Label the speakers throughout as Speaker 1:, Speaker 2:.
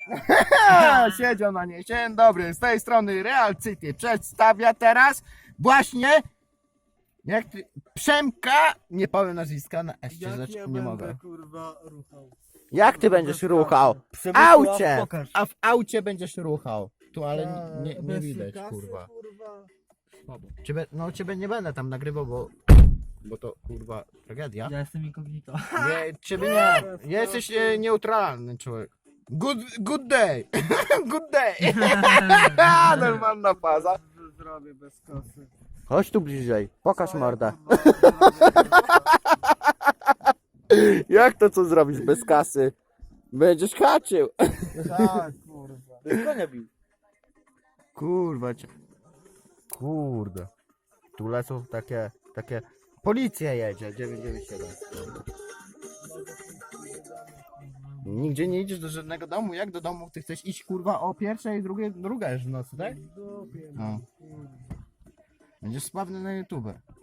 Speaker 1: Siedział na niej. Dzień dobry, z tej strony Real City przedstawia teraz właśnie jak ty, Przemka, nie powiem nazwiska na eście,
Speaker 2: Jak
Speaker 1: znaczy
Speaker 2: ja
Speaker 1: nie
Speaker 2: będę,
Speaker 1: mogę.
Speaker 2: kurwa, ruchał.
Speaker 1: Jak ty będziesz ruchał? W
Speaker 2: Przemysław,
Speaker 1: aucie!
Speaker 2: pokaż.
Speaker 1: A w aucie będziesz ruchał. Tu ale
Speaker 2: Ta,
Speaker 1: nie
Speaker 2: bez
Speaker 1: widać,
Speaker 2: kasy,
Speaker 1: kurwa.
Speaker 2: kurwa.
Speaker 1: Ciebie nie będę tam nagrywał, bo to kurwa tragedia.
Speaker 3: Ja jestem incognito.
Speaker 1: Nie, ciebie nie. Jesteś neutralny człowiek. Good day. Good day. Normalna faza.
Speaker 2: Zrobię bez kasy.
Speaker 1: Chodź tu bliżej. Pokaż mordę. Jak to co zrobisz bez kasy? Będziesz haczył.
Speaker 2: Tak, kurwa.
Speaker 3: Bez konia bił.
Speaker 1: Kurwa cię. Kurde. Tu lecą takie... Policja jedzie, 997. Nigdzie nie idziesz do żadnego domu? Jak do domu? Ty chcesz iść kurwa o pierwszej, druga już w nocy, tak?
Speaker 2: Dupie,
Speaker 1: No. Będziesz sławny na YouTube.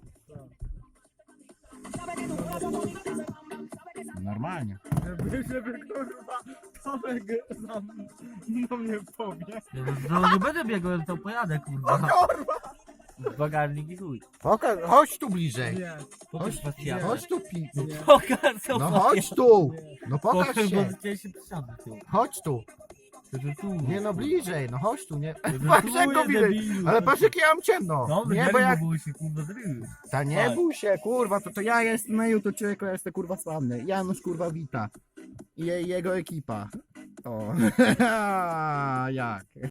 Speaker 1: Normalnie.
Speaker 2: Żeby kurwa Tomek za mnie powie.
Speaker 3: No nie będę biegł, to pojadę kurwa.
Speaker 2: Kurwa!
Speaker 3: Bagażnik i chuj.
Speaker 1: Chodź tu bliżej.
Speaker 2: Nie.
Speaker 3: Pokaż pacjanta.
Speaker 1: Chodź tu
Speaker 3: Pokaż co
Speaker 1: No chodź tu. No pokaż
Speaker 3: Pokaż,
Speaker 1: się.
Speaker 3: bo chciałem się przysiądę tu.
Speaker 1: Chodź tu.
Speaker 3: To tu.
Speaker 1: Nie no bliżej, no chodź tu, nie?
Speaker 3: To
Speaker 1: Patrz jak
Speaker 3: tu
Speaker 1: go
Speaker 3: jest
Speaker 1: widać.
Speaker 3: debilu.
Speaker 1: Ale patrz jak ja mam ciemno.
Speaker 3: No,
Speaker 1: Nie, bo jak...
Speaker 3: było się kurwa zrobił.
Speaker 1: Ta nie
Speaker 3: Tak.
Speaker 1: bój się, kurwa, to ja jestem na YouTube, człowieku, ja jestem kurwa sławny. Janusz kurwa wita. I jego ekipa. O, jak?